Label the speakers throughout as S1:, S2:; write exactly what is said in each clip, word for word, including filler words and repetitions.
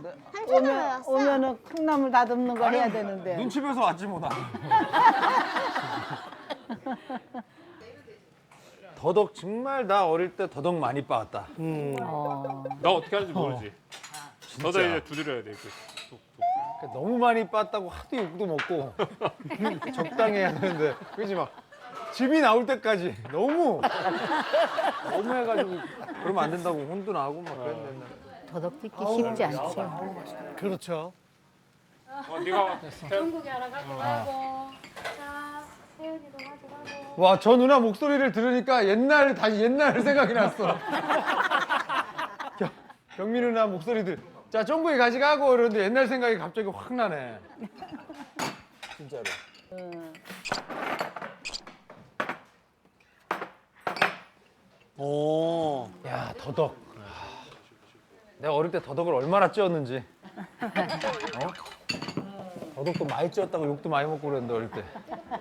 S1: 오면
S2: 왔어.
S1: 오면은 콩나물 다듬는 거 해야 되는데.
S3: 눈치 빼서 왔지 뭐 나. 더덕 정말 나 어릴 때 더덕 많이 빻았다.
S1: 어.
S4: 나 어떻게 하는지 모르지. 너도 이제 두드려야 돼. 그.
S3: 너무 많이 빻다고 하도 욕도 먹고 적당히 해야 되는데 그지 막 즙이 나올 때까지 너무 너무 해가지고 그러면 안 된다고 혼도 나고 막 그랬는데.
S1: 더덕 뜯기 쉽지 않죠.
S5: 그렇죠.
S4: 어, 네가
S6: 중국에 하나 갖고 가고. 자, 세연이도 가져가고.
S3: 와, 저 누나 목소리를 들으니까 옛날 다시 옛날 생각이 났어. 경, 경미 누나 목소리들. 자, 쫑구이 가져가고 이러는데 옛날 생각이 갑자기 확 나네. 진짜로.
S1: 응.
S5: 오.
S3: 야, 더덕. 내가 어릴 때 더덕을 얼마나 찧었는지. 어? 더덕도 많이 찧었다고 욕도 많이 먹고 그랬는데 어릴 때.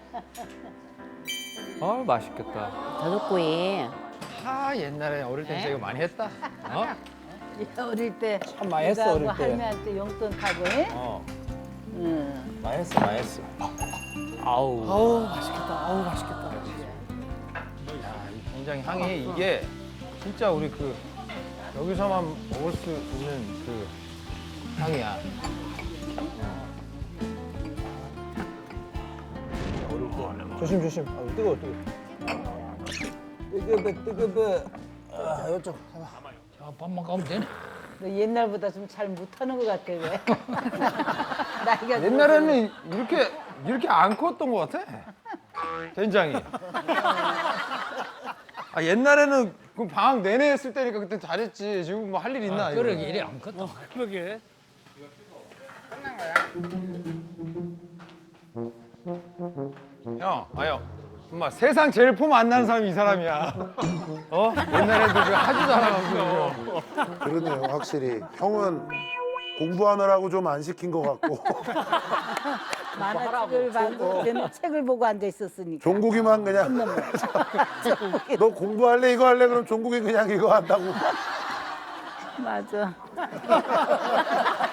S3: 아, 맛있겠다.
S1: 더덕구이
S3: 아, 옛날에 어릴 때 진짜 이거 많이 했다. 어?
S1: 어릴 때
S3: 참 많이 했어, 어릴 때.
S1: 할머니한테 용돈 타고 해?
S3: 어.
S1: 응.
S3: 많이 했어, 많이 했어. 아우.
S5: 아우 맛있겠다. 아우 맛있겠다.
S3: 야, 이 된장 향이 이게 진짜 우리 그 여기서만 먹을 수 있는 그 향이야. 조심 조심. 아, 뜨거워 뜨거워. 뜨거워 뜨거워. 아, 이쪽.
S5: 자 밥만 가면 되네.
S1: 너 옛날보다 좀 잘 못하는 것 같아 왜? 나이가
S3: 옛날에는 이렇게 이렇게 안 컸던 것 같아. 된장이. 아, 옛날에는 그 방학 내내 했을 때니까 그때 잘했지. 지금 뭐 할 일 있나? 이거.
S5: 그러게 이래 안 컸다. 그러게.
S3: 형, 아요. 엄마 세상 제일 폼 안 나는 사람이 이 사람이야. 어? 옛날에도 그 하지도 않아가지고.
S7: 그러네요, 확실히. 형은 공부하느라고 좀 안 시킨 것 같고
S1: 만화책을 보고 걔는 책을 보고 앉아 있었으니까.
S7: 종국이만 그냥 너 공부할래 이거 할래 그럼 종국이 그냥 이거 한다고.
S1: 맞아.